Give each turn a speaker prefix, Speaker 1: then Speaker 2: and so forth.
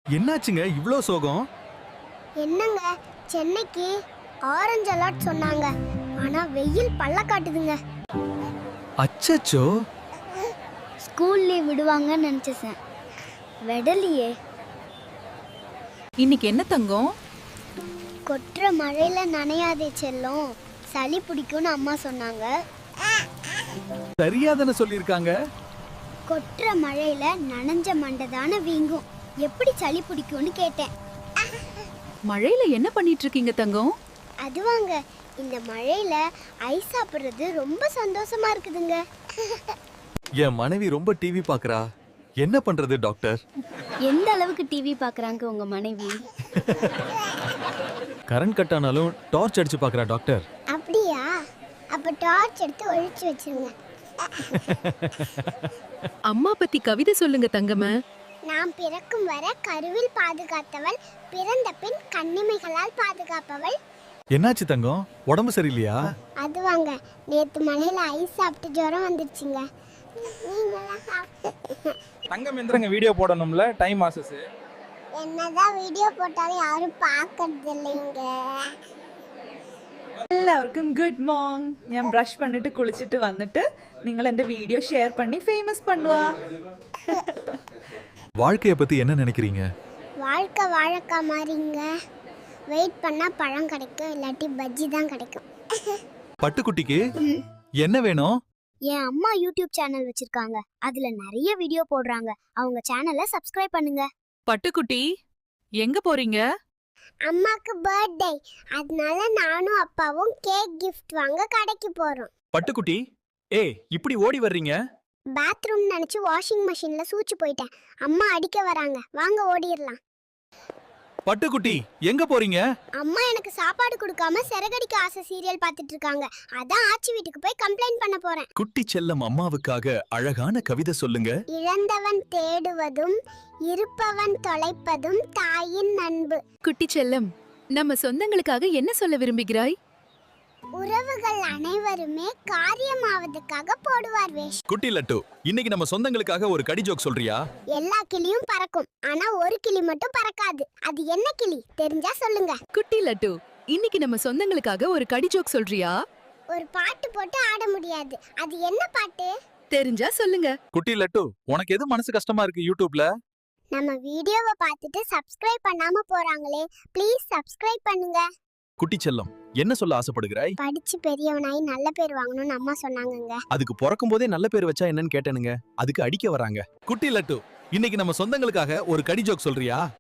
Speaker 1: என்னாச்சுங்க இவ்ளோ சோகம்?
Speaker 2: என்னங்க சென்னைக்கு ஆரஞ்சு அலர்ட் சொன்னாங்க. ஆனா வெயில் பல்ல காட்டுதுங்க.
Speaker 1: அச்சச்சோ!
Speaker 2: ஸ்கூல் லீவ் விடுவாங்கன்னு நினைச்சேன். விடலையே.
Speaker 3: இன்னைக்கு என்ன தங்கம்?
Speaker 2: கொட்டுற மழையில நனையாதே செல்லம், சளி பிடிக்கும்னு அம்மா சொன்னாங்க.
Speaker 1: சரியாதானே சொல்லிருக்காங்க.
Speaker 2: கொட்டுற மழையில நனைஞ்ச மண்டை தானே வீங்கும், எப்படி சளி பிடிக்கும்னு கேட்டேன்.
Speaker 3: மழையில என்ன பண்ணிட்டு இருக்கீங்க தங்கம்?
Speaker 2: அதுவாங்க, இந்த மழையில ஐஸ் சாப்பிடுறது ரொம்ப சந்தோஷமா இருக்குதுங்க.
Speaker 1: என் மனைவி ரொம்ப டிவி பாக்குறா. என்ன பண்றது டாக்டர்?
Speaker 2: எந்த அளவுக்கு டிவி பாக்குறாங்க உங்க மனைவி?
Speaker 1: கரண்ட் கட் ஆனாலும் டார்ச் அடிச்சு பாக்குறா டாக்டர்.
Speaker 2: அப்படியா? அப்ப டார்ச் எடுத்து ஒழிச்சு வச்சிருங்க.
Speaker 3: அம்மா பத்தி கவிதை சொல்லுங்க தங்கமே.
Speaker 2: நாம் பிறக்கும் வரை கருவில் பாதுகாத்தவள், பிறந்த பின் கண்ணிமைகளால் பாதுகாப்பவள்.
Speaker 1: என்னாச்சு தங்கம்? உடம்பு சரியில்லையா?
Speaker 2: அதுவாங்க, நேத்து மழையில ஐஸ் சாப்பிட்டு ஜுரம் வந்துருச்சுங்க.
Speaker 4: தங்கம் எந்திரங்க வீடியோ போடணும்ல, டைம் ஆசஸ்.
Speaker 2: என்னதான் வீடியோ போட்டாலும் யாரும் பார்க்கறது இல்லைங்க.
Speaker 5: എല്ലാവർക്കും ഗുഡ് മോർണിംഗ്. ഞാൻ ബ്രഷ് பண்ணிட்டு കുളിച്ചിട്ട് വന്നിട്ട് നിങ്ങൾ എൻ്റെ വീഡിയോ ഷെയർ பண்ணி ஃபேமஸ் பண்ணுவா.
Speaker 1: வாழ்க்கைய பத்தி என்ன நினைக்கிறீங்க?
Speaker 2: வாழ்க்கை வாழைக்கா மாதிரிங்க. வெயிட் பண்ணா பழம் கிடைக்கும், இல்லாட்டி பஜ்ஜி தான் கிடைக்கும்.
Speaker 1: பட்டுக்குட்டிக்கு என்ன வேணும்?
Speaker 2: என் அம்மா யூடியூப் சேனல் வச்சிருக்காங்க. அதுல நிறைய வீடியோ போடுறாங்க. அவங்க சேனலை சப்ஸ்கிரைப் பண்ணுங்க.
Speaker 3: பட்டுக்குட்டி, எங்க போறீங்க?
Speaker 2: அம்மாக்கு பர்த்டே, அதனால நானும் அப்பாவும் கேக் கிஃப்ட் வாங்க கடைக்கு போறோம்.
Speaker 1: பட்டுக்குட்டி, ஏய் இப்படி ஓடி வர்றீங்க?
Speaker 2: பாத்ரூம் நினைச்சு வாஷிங் மெஷின்ல சூச்சு போயிட்டேன். அம்மா அடிக்க வராங்க, வாங்க ஓடிரலாம்.
Speaker 1: பட்டுக்குட்டி எங்க போறீங்க?
Speaker 2: அம்மா எனக்கு சாப்பாடு கொடுக்காம சிறகடிக்க ஆசை சீரியல் பார்த்துட்டு இருக்காங்க. அதான் ஆச்சி வீட்டுக்கு போய் கம்ப்ளைண்ட் பண்ண போறேன்.
Speaker 1: குட்டி செல்லம் அம்மாவுக்காக அழகான கவிதை சொல்லுங்க.
Speaker 2: இழந்தவன் தேடுவதும் இருப்பவன் தொலைப்பதும் தாயின் அன்பு.
Speaker 3: குட்டி செல்லம், நம்ம சொந்தங்களுக்காக என்ன சொல்ல விரும்புகிறாய்?
Speaker 2: உறவுகள் அனைவருமே காரியமாவதுக்காக போடுவார் வேஷம்.
Speaker 1: குட்டி லட்டு, இன்னைக்கு நம்ம சொந்தங்களுக்காக ஒரு கடி ஜோக் சொல்றியா?
Speaker 2: எல்லா கிளியும் பறக்கும், ஆனா ஒரு கிளி மட்டும் பறக்காது. அது என்ன கிளி தெரிஞ்சா சொல்லுங்க.
Speaker 3: குட்டி லட்டு, இன்னைக்கு நம்ம சொந்தங்களுக்காக ஒரு கடி ஜோக் சொல்றியா?
Speaker 2: ஒரு பாட்டு போட்டு ஆட முடியாது, அது என்ன பாட்டு
Speaker 3: தெரிஞ்சா சொல்லுங்க.
Speaker 1: குட்டி லட்டு, உனக்கு எது மனசு கஷ்டமா இருக்கு யூடியூப்ல?
Speaker 2: நம்ம வீடியோவை பார்த்துட்டு சப்ஸ்கிரைப் பண்ணாம போறாங்களே, ப்ளீஸ் சப்ஸ்கிரைப் பண்ணுங்க.
Speaker 1: குட்டி செல்லம், என்ன சொல்ல ஆசைப்படுகிறாய்?
Speaker 2: படிச்சு பெரியவனாய் நல்ல பேர் வாங்கணும்னு அம்மா சொன்னாங்கங்க.
Speaker 1: அதுக்கு பிறக்கும் போதே நல்ல பேர் வச்சா என்னன்னு கேட்டேனுங்க. அதுக்கு அடிக்க வராங்க. குட்டி லட்டு, இன்னைக்கு நம்ம சொந்தங்களுக்காக ஒரு கடி ஜோக் சொல்றியா?